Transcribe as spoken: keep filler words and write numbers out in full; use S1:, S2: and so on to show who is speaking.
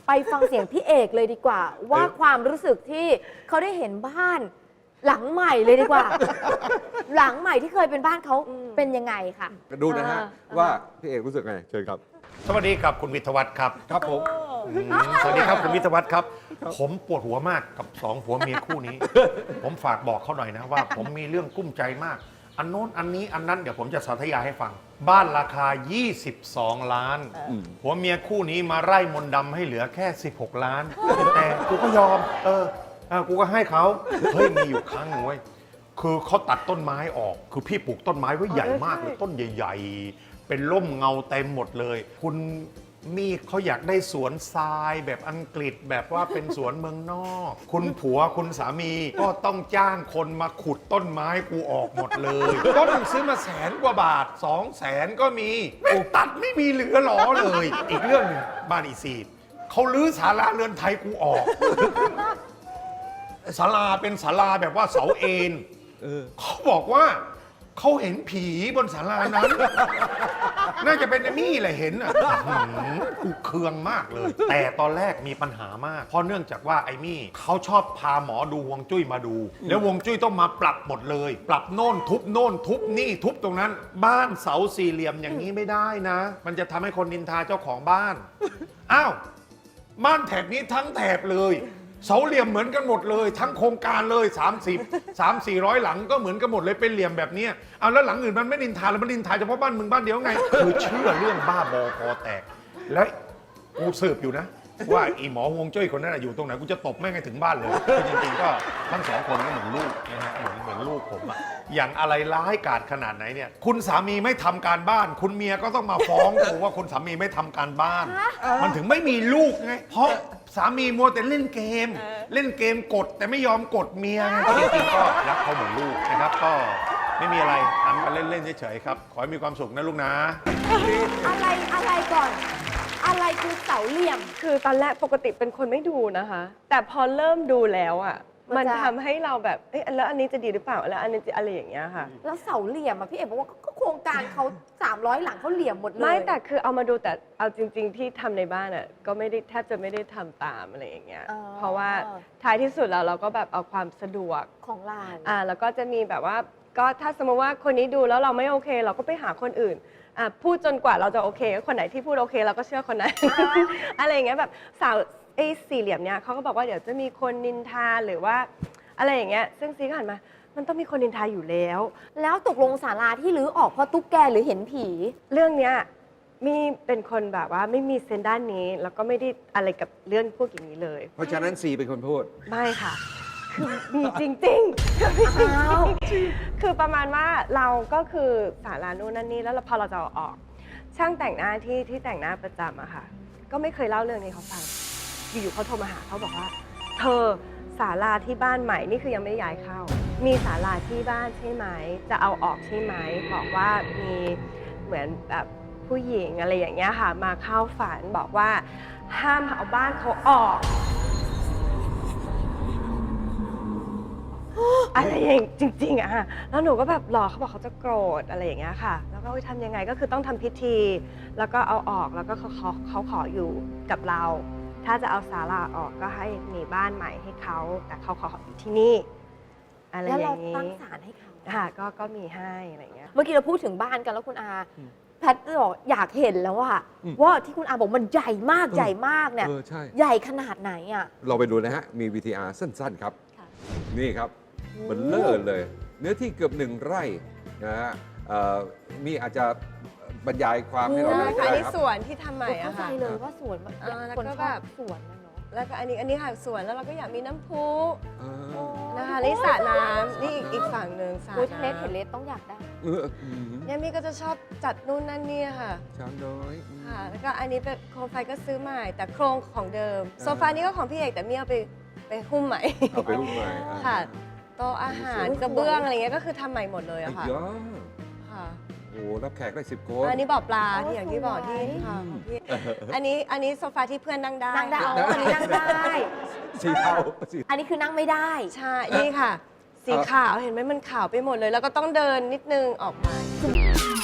S1: ไปฟังเสียงพี่เอกเลยดีกว่า ว่าความรู้สึกที่เขาได้เห็นบ้านหลังใหม่เลยดีกว่า หลังใหม่ที่เคยเป็นบ้านเขาเป็นยังไงค่ะ
S2: ดูนะฮะว่าพี่เอกรู้สึกไงเชิญครับ
S3: สวัสดีครับคุณวิทยวัฒน์ครับ
S2: ครับผม
S3: อืมสวัสดีครับคุณวิทยวัฒน์ครับ ผมปวดหัวมากกับสองผัวเมียคู่นี้ ผมฝากบอกเขาหน่อยนะว่า ผมมีเรื่องกุ้มใจมาก อันโน้นอันนี้อันนั้นเดี๋ยวผมจะสาธยายให้ฟัง บ้านราคา ยี่สิบสอง ล้านผัวเมียคู่นี้มาไล่มนต์ดำให้เหลือแค่ สิบหก ล้าน แต่กูก็ยอม เออเออกูก็ให้เขาเฮ้ยมีอยู่ครั้งหนึ่งเว้ยคือเขาตัดต้นไม้ออก คือพี่ปลูกต้นไม้ไว้ใหญ่มากเลยต้นใหญ่ๆ เป็นร่มเงาเต็มหมดเลย คุณมีเขาอยากได้สวนทรายแบบอังกฤษแบบว่าเป็นสวนเมืองนอก คุณผัวคุณสามีก็ต้องจ้างคนมาขุดต้นไม้กูออกหมดเลยต้นซื้อมาแสนกว่าบาทสองแสนก็มีกูตัดไม่มีเหลือหรอเลย อีกเรื่องหนึงบ้านอีซีดเขาลื้อศาลาเรือนไทยกูออกศาลาเป็นศาลาแบบว่าเสาเอ็นเขาบอกว่าเขาเห็นผีบนศาลานั้น น่าจะเป็นไอ้มี่แหละเห็นอ่ะกูเคืองมากเลย แต่ตอนแรกมีปัญหามาก เพราะเนื่องจากว่าไอ้มี่เขาชอบพาหมอดูฮวงจุ้ยมาดู แล้วฮวงจุ้ยต้องมาปรับหมดเลย ปรับโน่นทุบโน่นทุบนี่ทุบตรงนั้น บ้านเสาสี่เหลี่ยมอย่างนี้ไม่ได้นะ มันจะทำให้คนนินทาเจ้าของบ้าน อ้าว บ้านแถบนี้ทั้งแถบเลยเสาเหลี่ยมเหมือนกันหมดเลย ทั้งโครงการเลยสามสิบ สามสี่ร้อยหลังก็เหมือนกันหมดเลยเป็นเหลี่ยมแบบนี้เอาแล้วหลังอื่นมันไม่นินทาแล้วมันนินทาเฉพาะบ้านมึงบ้านเดียวไงคือเชื่อเรื่องบ้าบอคอแตกและกูสืบอยู่นะว่าอีหมอฮวงจุ้ยคนนั้นอยู่ตรงไหนกูจะตบแม่งให้ถึงบ้านเลยคือจริงๆก็ทั้งสองคนก็เหมือนลูกนะฮะเหมือนเหมือนลูกผมอะอย่างอะไรร้ายกาจขนาดไหนเนี่ยคุณสามีไม่ทำการบ้าน คุณเมียก็ต้องมาฟ้องกูว่าคุณสามีไม่ทำการบ้าน มันถึงไม่มีลูกไงเพราะสามีมัวแต่เล่นเกม เล่นเกมกดแต่ไม่ยอมกดเมียไงจริงๆก็รักเขาเหมือนลูกนะครับก็ไม่มีอะไรทำกันเล่นๆเฉยๆครับขอให้มีความสุขนะลูกนะ
S1: อะไรอะไรก่อน อะไรคือเสาเหลี่ยม
S4: คือตอนแรกปกติเป็นคนไม่ดูนะคะ แต่พอเริ่มดูแล้วอ่ะ
S1: มั
S4: มัน น
S1: จะ
S4: ทำให้เราแบบเอ๊ะแล้วอันนี้จะดีหรือเปล่าแล้วอันนี้จะอะไรอย่างเงี้ยค่ะ
S1: แล้วเสาเหลี่ยมอะพี่เอกบอกว่าก็โครงการเขาสามร้อยหลังเขาเหลี่ยมหมดเลย
S4: ไม่แต่คือเอามาดูแต่เอาจริง ๆ ที่ทำในบ้านอ่ะก็ไม่ได้แทบจะไม่ได้ทำตามอะไรอย่างเงี้ย
S1: อ๋อ
S4: เพราะว่าท้ายที่สุดแล้วเราก็แบบเอาความสะดวก
S1: ของเรา
S4: อ่าแล้วก็จะมีแบบว่าก็ถ้าสมมติว่าคนนี้ดูแล้วเราไม่โอเค เราก็ไปหาคนอื่นอ่ะพูดจนกว่าเราจะโอเคคนไหนที่พูดโอเคเราก็เชื่อคนนั้น อะไรอย่างเงี้ยแบบสาวไอ้สี่เหลี่ยมเนี้ยเขาก็บอกว่าเดี๋ยวจะมีคนนินทาหรือว่าอะไรอย่างเงี้ยซึ่งซีก็หันมามันต้องมีคนนินทาอยู่แล้ว
S1: แล้วตกลงศาลาที่รื้อออกเพราะตุ๊กแกหรือเห็นผี
S4: เรื่องเนี้ยมีเป็นคนแบบว่าไม่มีเซนส์ด้านนี้ แล้วก็ไม่ได้อะไรกับเรื่องพวกอย่างนี้เลย
S2: เพราะฉะนั้นซีเป็นคนพูด
S4: ไม่ค่ะคือมีจริงๆคือมีจริง
S1: อ้าว
S4: ๆคือประมาณว่าเราก็คือศาลานู่นนั่นนี่แล้วพอเราจะเอาออก ช่างแต่งหน้าที่ที่แต่งหน้าประจำอะค่ะก็ไม่เคยเล่าเรื่องนี้เขาฟังอยู่ๆเขาโทรมาหาเขาบอกว่าเธอศาลาที่บ้านใหม่นี่คือยังไม่ได้ย้ายเข้า มีศาลาที่บ้านใช่ไหมจะเอาออกใช่ไหมบอกว่ามีเหมือนแบบผู้หญิงอะไรอย่างเงี้ยค่ะมาเข้าฝันบอกว่าห้ามเอาบ้านเขาออกอะไรอย่างจริงๆอะค่ะแล้วหนูก็แบบรอเขาบอกเขาจะโกรธอะไรอย่างเงี้ยค่ะแล้วก็ทำยังไงก็คือต้องทำพิธี แล้วก็เอาออกแล้วก็เขาเขาเขาขออยู่กับเรา ถ้าจะเอาศาลาออกก็ให้มีบ้านใหม่ให้เขาแต่เขาขออยู่ที่นี่อะไร
S1: แล้ว
S4: อ
S1: เรา
S4: ย่างนี้
S1: ตั้งศาลให้เขา
S4: ค่ะก็ก็มีให้อะไรอย่างเงี้ย
S1: เมื่อกี้เราพูดถึงบ้านกันแล้วคุณอาแพทย์บอกอยากเห็นแล้วว่า
S2: อืม
S1: ว่าที่คุณอาบอกมันใหญ่มากใหญ่มากเนี่ย
S2: เออใช่
S1: ใหญ่ขนาดไหนอ่ะ
S2: เราไปดูนะฮะ มี วี ที อาร์ สั้น ๆ ครับ
S1: ค่ะ
S2: นี่ครับเบลเลอร์เลย เนื้อที่เกือบหนึ่งไร่นะฮะเอ่อมีอาจจะบรรยายความให้เรา
S1: ใช่
S2: ดู
S4: ค่ะอัน
S2: ได้
S4: นี้
S2: ครับ
S4: สวนที่ทำใหม่
S1: เข้า
S4: อะ
S1: ใจ
S4: ค่ะ
S1: เลยว่าสวนมัน
S4: อ่าแล้ว
S1: คน
S4: ก็
S1: ช
S4: แบ
S1: อบบ สวนนะเนาะ
S4: แล้วก็อันนี้อันนี้ค่ะสวนแล้วเราก็อยากมีน้ำพุ
S2: อ่า
S4: นะคะนี่สระน้ำนี่อีกอีกฝั่งหนึ่งสระ
S1: โอ้ยเลส
S4: น้ำ
S1: เห็นเลสต้องอยากได้
S2: เอออืม
S4: เนี่ยมี่ก็จะชอบจัดนู่นนั่นนี่ค่ะ
S2: ช้างน้อยอืม
S4: ค่ะ แล้วก็อันนี้เป็นโคมไฟก็ซื้อใหม่ แต่โครงของเดิม โซฟานี้ก็ของพี่เอกแต่มี่เอาไปไปหุ้มใหม่
S2: เอาไปรูปใหม่อ่า
S4: ค่ะ โต๊ะอาหาร
S1: สวย
S4: กระเบื้องอะไรเงี้ยก็คือทำใหม่หมดเลย
S2: ไอ้
S4: อะค่ะ
S2: ยอ
S4: ค่ะ
S2: โอ้รับแขกได้สิบคน
S4: อันนี้บ่อปลา
S1: โอ้
S4: ที่อย่างที่บอกที่
S1: สวย
S4: ค่ะของพี่อันนี้อันนี้โซฟาที่เพื่อนนั่งได้
S1: นั่งได้
S4: ค่ะ
S1: อ๋ออันนี้นั่งได้
S2: สีเทาสี
S1: อันนี้คือนั่งไม่ได้
S4: ใช่ นี่ค่ะ สีขาวเห็นไหมมันขาวไปหมดเลย แล้วก็ต้องเดินนิดนึงออกมา